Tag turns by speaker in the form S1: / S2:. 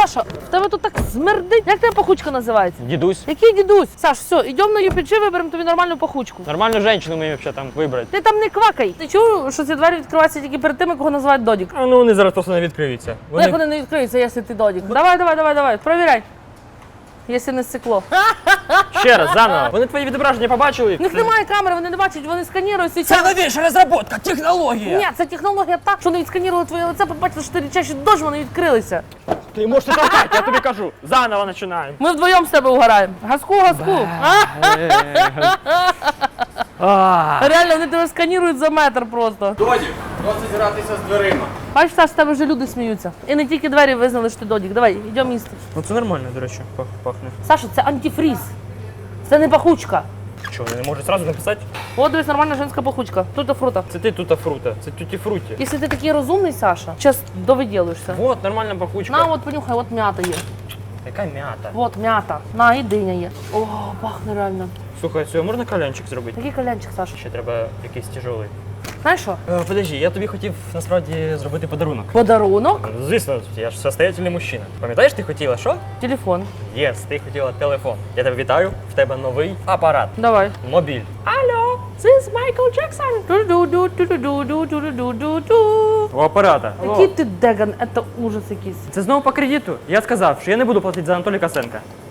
S1: Саша, в тебе тут так смердить. Як тебе пахучка називається?
S2: Дідусь.
S1: Який дідусь? Саш, все, йдемо на UPG, виберемо тобі нормальну пахучку.
S2: Нормальну жінку мені взагалі там вибрати.
S1: Ти там не квакай. Ти чув, що ці двері відкриваються тільки перед тими, кого називають Додік?
S2: А ну вони зараз просто не відкриються.
S1: Ну, як вони не відкриються, якщо ти Додік? Давай, провіряй. Якщо не стекло.
S2: Ще раз, заново. Вони твої відображення побачили?
S1: В них немає камери, вони не бачать, вони сканірують і
S2: Це новіша розробка, технологія!
S1: Ні, це технологія так, що вони відсканірували твоє лице, побачили, що ти річащий дощ, вони відкрилися.
S2: Ти можеш не толкати, я тобі кажу. Заново починаємо.
S1: Ми вдвоєм з тебе угораємо. Газку. Реально, вони тебе сканірують за метр просто.
S3: Додік, досить гратися з дверима.
S1: Бачиш, Саш, з тебе вже люди сміються. І не тільки двері визнали, що ти Додік. Давай, йдемо їсти.
S2: Ну це нормально, до речі, пахне.
S1: Саша, це антифріз. Це не пахучка.
S2: Що, я не можу одразу написати?
S1: От дивись, нормальна жінська пахучка. Тута фрута.
S2: Це ти тута фрута, це тюті фруті.
S1: Якщо ти такий розумний, Саша, зараз довиділишся.
S2: Вот, нормальна пахучка.
S1: На, от понюхай, от м'ята є.
S2: Яка м'ята.
S1: От м'ята. На, і диня є. О, пахне реально.
S2: Слухай, все, можна кальянчик зробити?
S1: Який калянчик, Саша?
S2: Ще треба якийсь тяжелий.
S1: Знаєш що?
S2: Подожди, я тобі хотів насправді зробити подарунок.
S1: Подарунок.
S2: Звісно, я ж состоятельний мужчина. Пам'ятаєш, ти хотіла що?
S1: Телефон.
S2: Єс, ти хотіла телефон. Я тебе вітаю, в тебе новий апарат.
S1: Давай.
S2: Мобіль.
S1: Алло, this Michael Jackson. Ду-ду-ду-ду-ду-ду-ду-ду.
S2: У апарата.
S1: Який ти деган, це ужас якийсь.
S2: Це знову по кредиту. Я сказав, що я не буду платити за Анатолія Косенка.